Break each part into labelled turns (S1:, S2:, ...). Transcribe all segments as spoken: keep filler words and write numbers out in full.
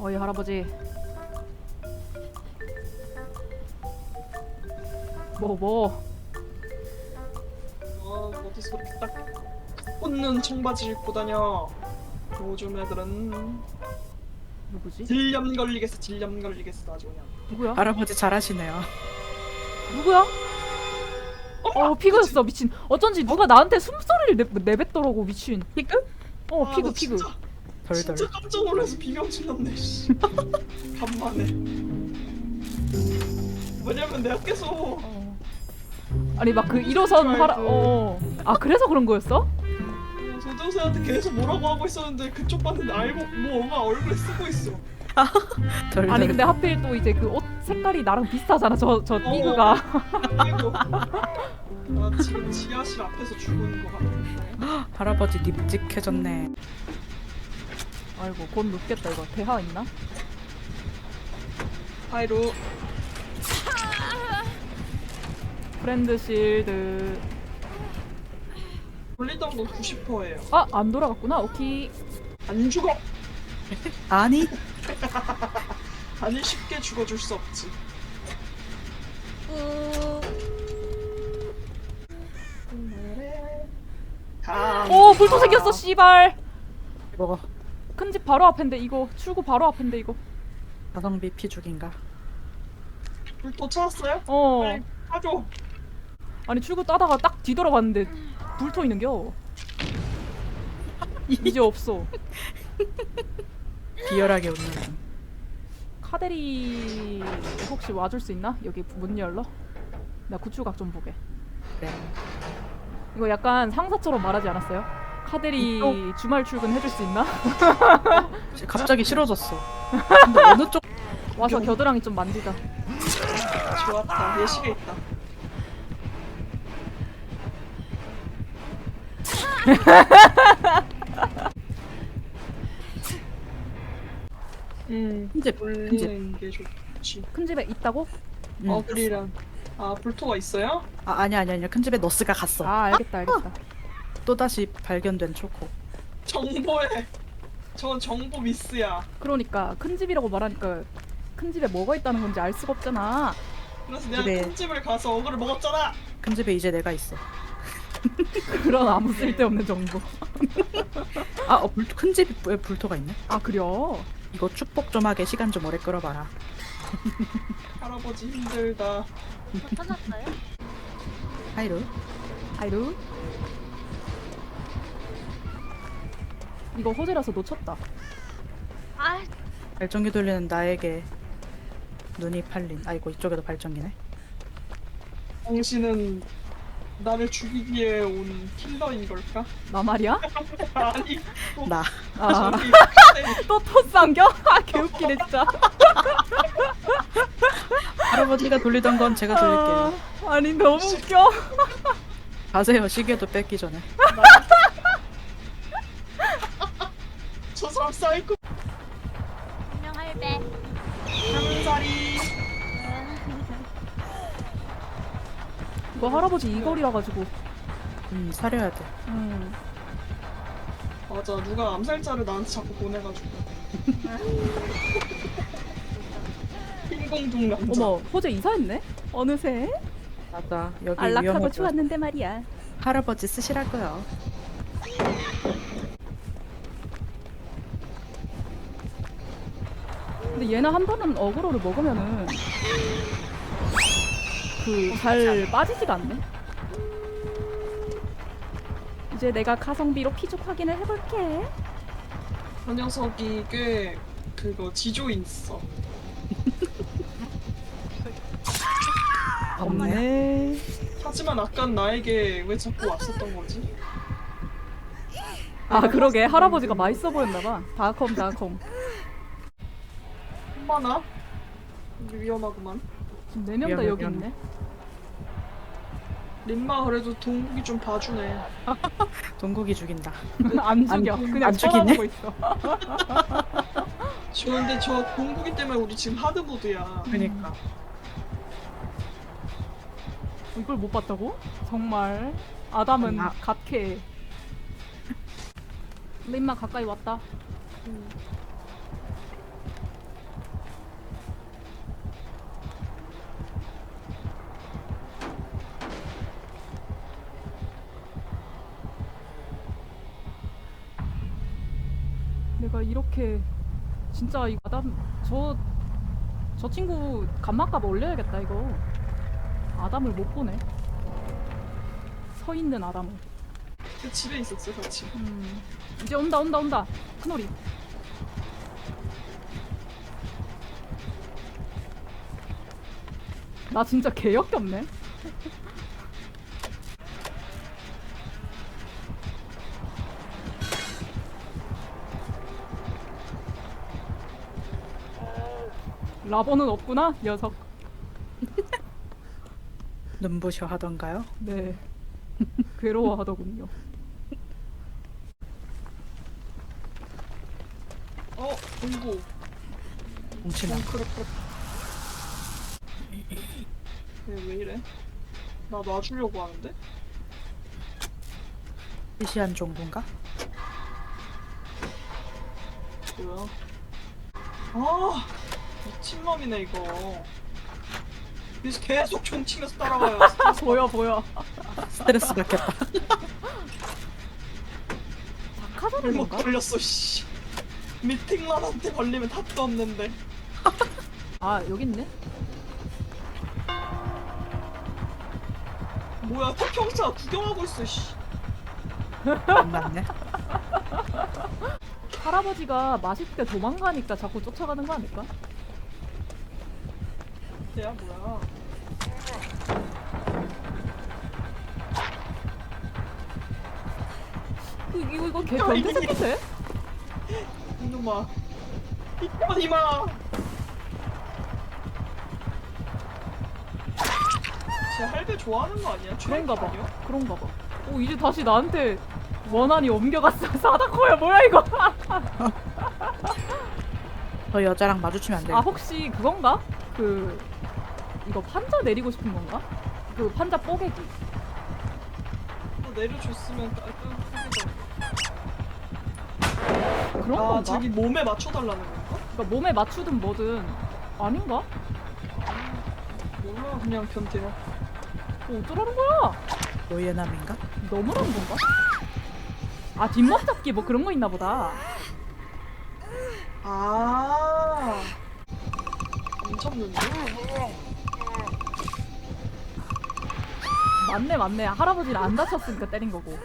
S1: 어이 할아버지. 뭐 뭐.
S2: 어, 어디서 이렇게 딱 꽂는 청바지를 입고 다녀. 요즘 애들은
S1: 누구지?
S2: 질염 걸리겠어, 질염 걸리겠어 아주 그냥.
S1: 누구야?
S3: 할아버지 잘하시네요.
S1: 누구야? 어 피그였어 미친. 어쩐지 누가 나한테 숨소리를 내, 내뱉더라고 미친.
S3: 피그?
S1: 어
S2: 아,
S1: 피그
S2: 나
S1: 피그.
S2: 진짜,
S3: 덜덜.
S2: 진짜 깜짝 놀라서 비명질 났네. 씨. 간만에. 왜냐면 내가 계속
S1: 어. 아니 막 그 일호선 하라. 어. 아 그래서 그런 거였어?
S2: 조정세한테 계속 뭐라고 하고 있었는데 그쪽 봤는데 알고 뭐 엄마 얼굴에 쓰고 있어.
S3: 덜덜.
S1: 아니 근데 하필 또 이제 그 옷 색깔이 나랑 비슷하잖아. 저 저 피그가.
S2: 그리고 나 지금 지하실 앞에서 죽은 거 같은데.
S3: 할아버지 립직해졌네.
S1: 아이고 곧 눕겠다 이거. 대하 있나?
S2: 하이루.
S1: 프렌드 실드.
S2: 분리당도 구십 퍼센트예요.
S1: 아 안 돌아갔구나. 오케이.
S2: 안 죽어.
S3: 아니
S2: 아니 쉽게 죽어줄 수 없지. 아,
S1: 오 불토 생겼어 씨발.
S3: 이거
S1: 큰 집 바로 앞인데 이거 출구 바로 앞인데 이거.
S3: 가성비 피죽인가?
S2: 불도 찾았어요?
S1: 어.
S2: 빨리 가줘.
S1: 아니 출구 따다가 딱 뒤돌아봤는데 불토 있는겨. 이제 없어.
S3: 비열하게 웃는.
S1: 카데리 혹시 와줄 수 있나? 여기 문 열러? 나 구출각 좀 보게.
S3: 그래.
S1: 이거 약간 상사처럼 말하지 않았어요? 카데리
S3: 이쪽?
S1: 주말 출근 해줄 수 있나?
S3: 갑자기 싫어졌어. 근데 어느 쪽?
S1: 와서 겨드랑이 좀 만지자.
S2: 좋았다. 예시가 있다. 음,
S3: 큰 집, 큰 집.
S2: 올리는 게 좋지.
S1: 큰 집에 있다고?
S3: 응.
S2: 어그리랑 아 불토가 있어요?
S3: 아 아니 아니 아니 큰 집에 너스가 갔어.
S1: 아 알겠다 알겠다.
S3: 또 다시 발견된 초코.
S2: 정보에 저건 정보 미스야.
S1: 그러니까 큰 집이라고 말하니까 큰 집에 뭐가 있다는 건지 알 수가 없잖아.
S2: 그래서 내가
S3: 그래.
S2: 큰 집을 가서 어그를 먹었잖아.
S3: 큰 집에 이제 내가 있어.
S1: 그런 아무 쓸데없는 정보.
S3: 아, 어, 불, 큰 집에 불토가 있네.
S1: 아 그려?
S3: 이거 축복 좀 하게 시간 좀 오래 끌어봐라.
S2: 할아버지 힘들다.
S4: 찾았어요?
S3: 하이루.
S1: 아이루? 이거 호재라서 놓쳤다.
S4: 아,
S3: 발전기 돌리는 나에게 눈이 팔린. 아이고 이쪽에도 발전기네.
S2: 당신은 나를 죽이기에 온 킬러인 걸까?
S1: 나 말이야?
S2: 아니 또
S3: 나.
S1: 아.
S2: 저기 카데
S1: 또 토스 안겨? 아 개웃기네 진짜.
S3: 할아버지가 돌리던 건 제가 돌릴게요.
S1: 아, 아니 너무 웃겨.
S3: 가세요. 시계도 뺏기 전에.
S2: 저 사람 사이코
S4: 분명 할배.
S2: 한살이.
S1: 이거 할아버지 이 거리라 가지고.
S3: 음 사려야 돼.
S1: 음.
S2: 맞아 누가 암살자를 나한테 자꾸 보내가지고. 흰공둥 남자.
S1: 어머 호재 이사했네? 어느새?
S3: 맞아. 여기
S1: 안락하고
S3: 위험하고.
S1: 좋았는데 말이야.
S3: 할아버지 쓰시라고요.
S1: 근데 얘는 한 번은 어그로를 먹으면은 그 잘 빠지지가 않네. 이제 내가 가성비로 피죽 확인을 해볼게.
S2: 저 녀석이 꽤 그거 지조인 있어.
S1: 없네.
S2: 하지만 아깐 나에게 왜 자꾸 왔었던 거지?
S1: 아 그러게 할아버지가 맛있어 보였나봐. 다컴 다컴.
S2: 엄마나? 이게 위험하구만.
S1: 지금 네 명 다
S3: 미안해,
S1: 여기
S3: 미안해.
S1: 있네.
S2: 림마 그래도 동국이 좀 봐주네.
S3: 동국이 죽인다.
S1: 안 죽여.
S3: 안-
S1: 그냥
S3: 안 죽이네?
S1: 쳐다보고 있어.
S2: 저 근데 저 동국이 때문에 우리 지금 하드보드야.
S3: 그니까.
S1: 이걸 못 봤다고? 정말 아담은
S3: 아.
S1: 갓캐. 림마 가까이 왔다. 내가 이렇게 진짜 이 아담 저 저 친구 감마값 올려야겠다 이거. 아담을 못 보네. 서 있는 아담을.
S2: 그 집에 있었어 같이.
S1: 음. 이제 온다 온다 온다. 큰오리. 나 진짜 개역겹네. 라버는 없구나 녀석.
S3: 눈부셔 하던가요?
S1: 네. 괴로워하더군요.
S2: 어 공고.
S3: 뭉치나.
S2: 덩크르크. 얘왜 이래? 나 놔주려고 하는데?
S3: 시시한 종군가?
S2: 뭐야? 아 미친놈이네 이거. 그래서 계속 총 치면서 따라가요.
S1: 보여 보여.
S3: 스트레스 받겠다.
S1: 작하자는
S2: 못
S1: 건가?
S2: 걸렸어 씨. 미팅런한테 걸리면 답도 없는데.
S1: 아 여기 있네.
S2: 뭐야 태평사 구경하고 있어 씨.
S3: 안 맞네.
S1: 할아버지가 맛있게 도망가니까 자꾸 쫓아가는 거 아닐까?
S2: 야 뭐야?
S1: 그, 이거 이거 개 변태 새끼 돼?
S2: 이놈아. 이놈아 이마. 쟤 할배 좋아하는 거 아니야?
S1: 그런가 봐.
S2: 아니야?
S1: 그런가 봐. 오 이제 다시 나한테 원한이 옮겨갔어. 사다코야 뭐야 이거?
S3: 저 여자랑 마주치면 안 돼.
S1: 아 혹시 그건가? 그 이거 판자 내리고 싶은 건가? 그 판자 뽀개기.
S2: 너 내려줬으면 깔끔하게.
S1: 그런
S2: 아
S1: 건가?
S2: 자기 몸에 맞춰달라는 건가?
S1: 그러니까 몸에 맞추든 뭐든 아닌가?
S2: 몰라 그냥 변태야.
S1: 뭐 어쩌라는 거야?
S3: 노예남인가?
S1: 너무한 건가? 아 뒷목 잡기 뭐 그런 거 있나 보다.
S2: 아. 안 접는데?
S1: 맞네 맞네. 할아버지를 안 다쳤으니까 때린 거고.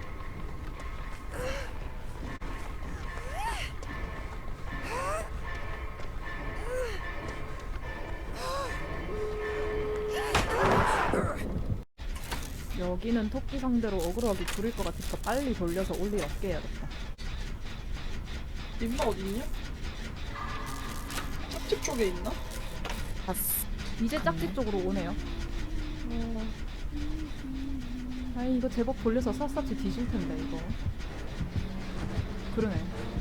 S1: 여기는 토끼 상대로 억울하게 부릴 것 같아서 빨리 돌려서 올리 없게 해야겠다.
S2: 임마 어딨냐? 짝집 쪽에 있나?
S3: 봤어.
S1: 이제 짝집 쪽으로 오네요. 아이 이거 제법 돌려서 샅샅이 뒤질 텐데 이거. 그러네.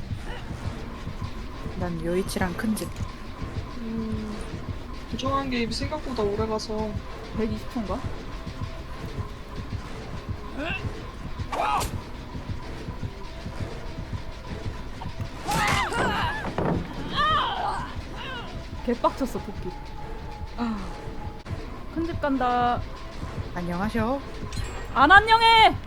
S3: 난 요이치랑 큰 집.
S2: 음. 부정한 게 생각보다 오래 가서.
S1: 백이십 초인가? 개빡쳤어 토끼. 큰 집 간다.
S3: 안녕하셔.
S1: 안 안녕해.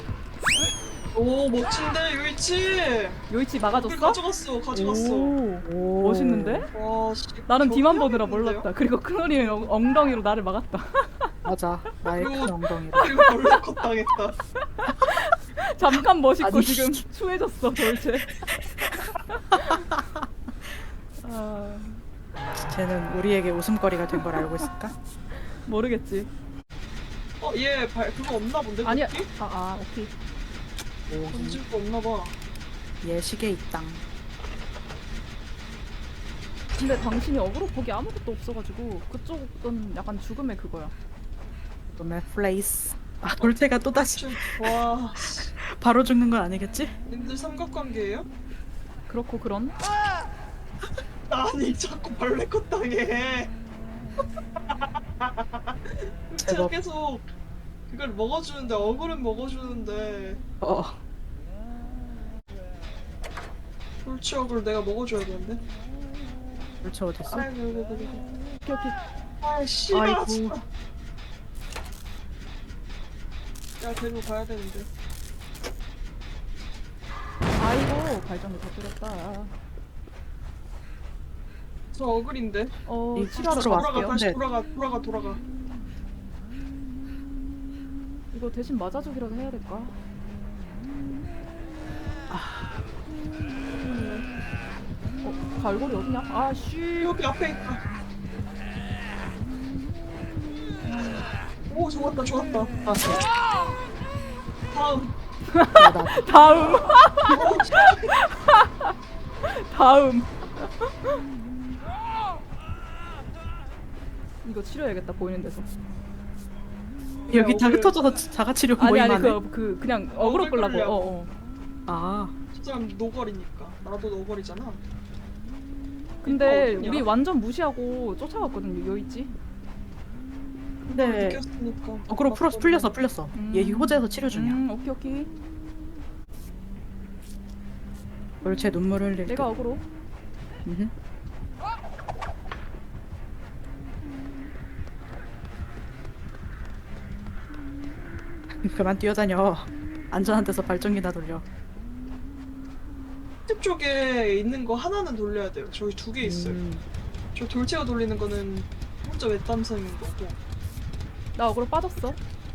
S2: 오 멋진데 요이치.
S1: 요이치
S2: 물
S1: 막아줬어?
S2: 가져갔어 가져갔어.
S1: 오,
S3: 오.
S1: 멋있는데?
S2: 와 씨.
S1: 나는 뒤만
S2: 겨우
S1: 보느라
S2: 해야겠는데요?
S1: 몰랐다. 그리고 큰어리는 엉- 엉덩이로 나를 막았다.
S3: 맞아. 나의 큰
S2: 그리고-
S3: 엉덩이로.
S2: 이거 몰래 컷 당했다.
S1: 잠깐 멋있고
S3: 아니.
S1: 지금 추해졌어 돌체. 아,
S3: 쟤는 우리에게 웃음거리가 된 걸 알고 있을까?
S1: 모르겠지.
S2: 어얘 발 그거 없나 본데?
S1: 아니야.
S2: 도끼?
S1: 아, 아 오케이.
S3: 오.
S2: 던질 거 없나 봐.
S3: 얘 시계 있당.
S1: 근데 당신이 어그로 폭이 아무것도 없어가지고 그쪽은 약간 죽음의 그거야.
S3: 놈의 플레이스. 아 돌체가 또 다시
S2: 좀- 와 씨.
S3: 바로 죽는 건 아니겠지?
S2: 님들 삼각관계예요?
S1: 그렇고 그런.
S2: 아니 자꾸 벌레 컷 당해. 제가
S3: 제법.
S2: 계속 그걸 먹어주는데 어글은 먹어주는데
S3: 어.
S2: 돌치 어글 내가 먹어줘야 되는데.
S3: 돌체 어딨어?
S2: 아이고 아이고 아이고.
S1: 오케이 오케이.
S2: 아 씨발
S3: 아이고.
S2: 진짜. 야 데리고 가야 되는데.
S1: 아이고 발전기 다 뚫렸다.
S2: 저 어글인데.
S1: 어
S3: 이
S1: 치료하러
S3: 들어와.
S2: 돌아가
S1: 갈게요.
S2: 다시
S3: 네.
S2: 돌아가 돌아가 돌아가.
S1: 이거 대신 맞아주기라도 해야 될까? 어 갈고리 어디냐? 아씨.
S2: 여기 앞에 있다. 오 좋았다 좋았다.
S3: 아,
S2: 다음.
S3: 나, 나.
S1: 다음.
S2: 오,
S1: 다음. 이거 치료해야겠다 보이는 데서.
S3: 여기 다
S2: 어글-
S3: 흩어져서 자가치료
S1: 아니
S3: 모임
S1: 아니
S3: 하네.
S1: 그, 그 그냥 어그로
S2: 어글
S1: 끌라고.
S2: 끌려고.
S1: 어, 어.
S3: 아,
S2: 저 사람 노걸이니까. 나도 노걸이잖아.
S1: 근데
S2: 이거 어디냐?
S1: 우리 완전 무시하고 쫓아갔거든요. 요 있지?
S3: 근데
S2: 느꼈으니까.
S3: 어그로 풀어 풀렸어 풀렸어.
S1: 음.
S3: 얘 호재에서 치료 중이야.
S1: 음 오케이 오케이.
S3: 월체 눈물 흘릴
S1: 내가 어그로.
S3: 때. 음흠. 그만 뛰어다녀. 안전한 데서 발전기나 돌려.
S2: 집 쪽에 있는 거 하나는 돌려야 돼요. 저기 두 개 있어요.
S3: 음.
S2: 저 돌체가 돌리는 거는 혼자 외딴섬인 거고.
S1: 나 어그로 빠졌어.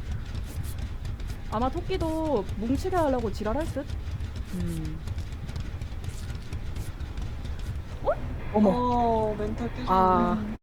S1: 아마 토끼도 뭉치게 하려고 지랄할 듯.
S3: 음. 어머.
S2: 어 멘탈 깨졌네.
S3: 아.